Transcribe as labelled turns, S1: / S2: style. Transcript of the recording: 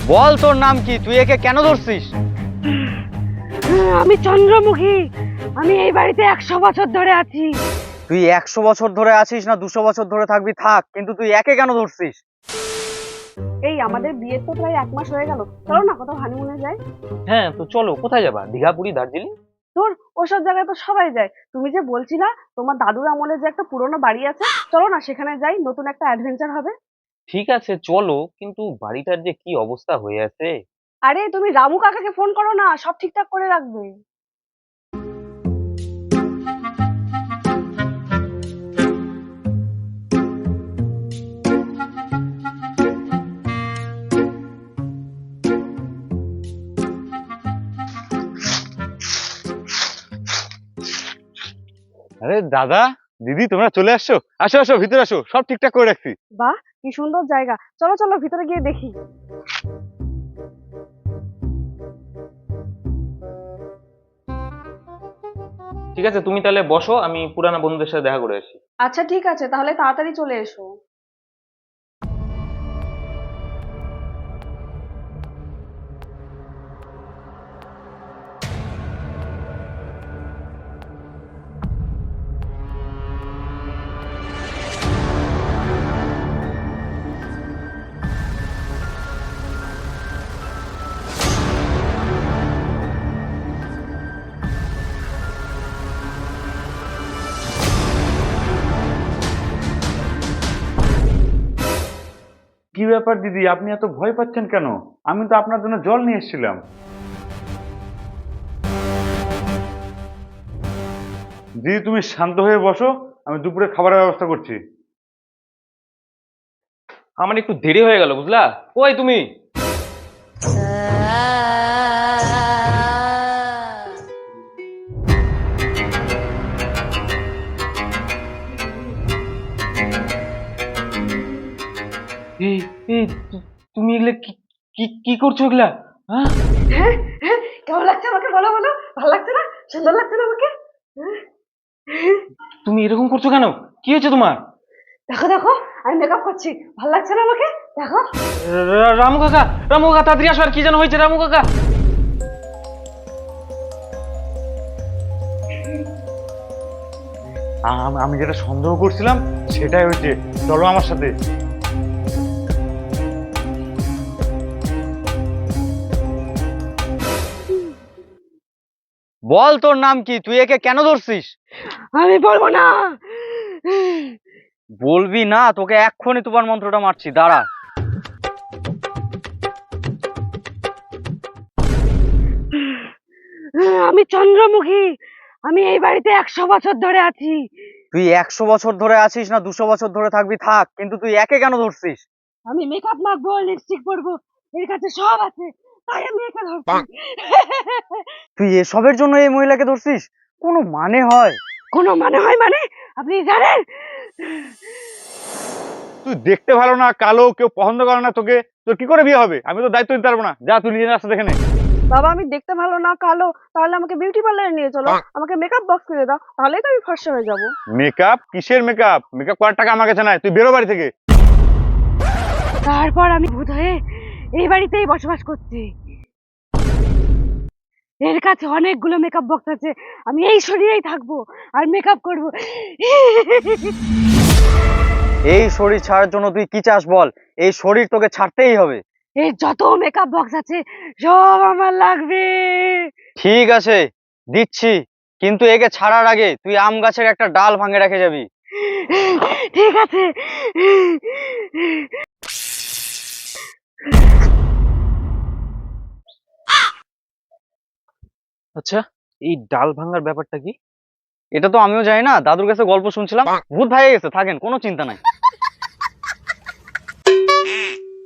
S1: বল তোর নাম কি, তুই একে কেন ধরছিস?
S2: আমি চন্দ্রমুখী। আমি এই বাড়িতে 100 বছর ধরে আছি।
S1: তুই 100 বছর ধরে আছিস না 200 বছর ধরে থাকবি থাক, কিন্তু তুই একে কেন ধরছিস?
S2: এই আমাদের বিয়ের তো প্রায় 1 মাস হয়ে গেল, চলো না কোথাও হানিমুনে যাই।
S3: হ্যাঁ তো চলো, কোথায় যাবা? দীঘা, পুরী, দার্জিলিং?
S2: তোর ওসব জায়গায় তো সবাই যায়, তুমি যে বলছিলা তোমার দাদুর আমলে যে একটা পুরোনো বাড়ি আছে, চলো না সেখানে যাই, নতুন একটা অ্যাডভেঞ্চার হবে।
S3: ঠিক আছে চলো, কিন্তু বাড়িটার যে কি অবস্থা হয়ে আছে।
S2: আরে তুমি রামু কাকাকে ফোন করো না, সব ঠিকঠাক করে রাখবে।
S4: আরে দাদা, দিদি, তোমরা চলে আসছো। আসো আসো, ভিতরে আসো, সব ঠিকঠাক করে রাখছি।
S2: বাহ, কি সুন্দর জায়গা, চলো চলো ভিতরে গিয়ে দেখি।
S3: ঠিক আছে, তুমি তাহলে বসো, আমি পুরানা বন্ধুদের সাথে দেখা করে আসি।
S2: আচ্ছা ঠিক আছে, তাহলে তাড়াতাড়ি চলে এসো।
S4: কি ব্যাপার দিদি, আপনি এত ভয় পাচ্ছেন কেন? আমি তো আপনার জন্য জল নিয়ে এসেছিলাম। দিদি, তুমি শান্ত হয়ে বসো, আমি দুপুরে খাবারের ব্যবস্থা করছি।
S3: আমার একটু দেরি হয়ে গেল, বুঝলা? কই তুমি? এই এই তুমি এগুলা কি কি কি করছো এগুলা? হ্যাঁ,
S2: হ্যাঁ হ্যাঁ, কেমন লাগছে আমাকে বলো বলো, ভালো লাগছে না, সুন্দর লাগছে না আমাকে?
S3: তুমি এরকম করছো কেন? কি হয়েছে তোমার?
S2: দেখো দেখো, আমি মেকআপ করছি, ভালো লাগছে না আমাকে? দেখো।
S3: রামু কাকা, রামু কাকা তাড়াতাড়ি আসো, আর কি যেন হয়েছে রামু কাকা।
S4: আমি যেটা সন্দেহ করছিলাম সেটাই হয়েছে। চলো আমার সাথে।
S1: বল তোর নাম কি, তুই একে কেন ধরছিস?
S2: আমি বলবো না।
S1: বলবি না? তোকে এক্ষুনি তুফান মন্ত্রটা মারছি, দাঁড়া।
S2: আমি চন্দ্রমুখী। আমি এই বাড়িতে 100 বছর ধরে আছি।
S1: তুই 100 বছর ধরে আছিস না 200 বছর ধরে থাকবি থাক, কিন্তু তুই একে কেন ধরছিস?
S2: আমি মেকআপ মাখবো, লিপস্টিক পরবো, এর কাছে সব আছে, তাই আমি একে ধরছি।
S1: তুই এসবের জন্য এই মহিলাকে ধরছিস? কোনো মানে হয়?
S2: কোনো মানে হয় মানে? আপনি জানেন?
S4: তুই দেখতে ভালো না, কালো, কেউ পছন্দ করে না তোকে, তোর কি করে বিয়ে হবে? আমি তো দায়িত্ব নিতে পারবো না। যা, তুই নিজের রাস্তা দেখে নে।
S2: বাবা আমি দেখতে ভালো না, কালো, তাহলে আমাকে বিউটি পার্লারে নিয়ে চলো, আমাকে মেকআপ বক্স কিনে দাও, তাহলেই তো আমি ফর্সা হয়ে যাবো।
S4: মেকআপ? কিসের মেকআপ? মেকআপ করার টাকা আমার কাছে নাই, তুই বেরো বাড়ি থেকে।
S2: তারপর আমি ভূত হয়ে এই বাড়িতেই বসবাস করছি। এর কাছে অনেকগুলো মেকআপ বক্স আছে, আমি এই শরীরেই থাকবো আর মেকআপ করবো।
S1: এই শরীর ছাড়ার জন্য তুই কি চাস বল? এই শরীর তোকে ছাড়তেই হবে।
S2: এই যত মেকআপ বক্স আছে সব আমার লাগবে।
S1: ঠিক আছে, দিচ্ছি, কিন্তু একে ছাড়ার আগে তুই আম গাছের একটা ডাল ভাঙে রেখে যাবি।
S2: ঠিক আছে।
S3: আচ্ছা, এই ডাল ভাঙার ব্যাপারটা কি?
S1: এটা তো আমিও জানি না, দাদুর কাছে গল্প শুনছিলাম, ভূত ভাইয়া গেছে, থাকেন, কোনো চিন্তা নাই।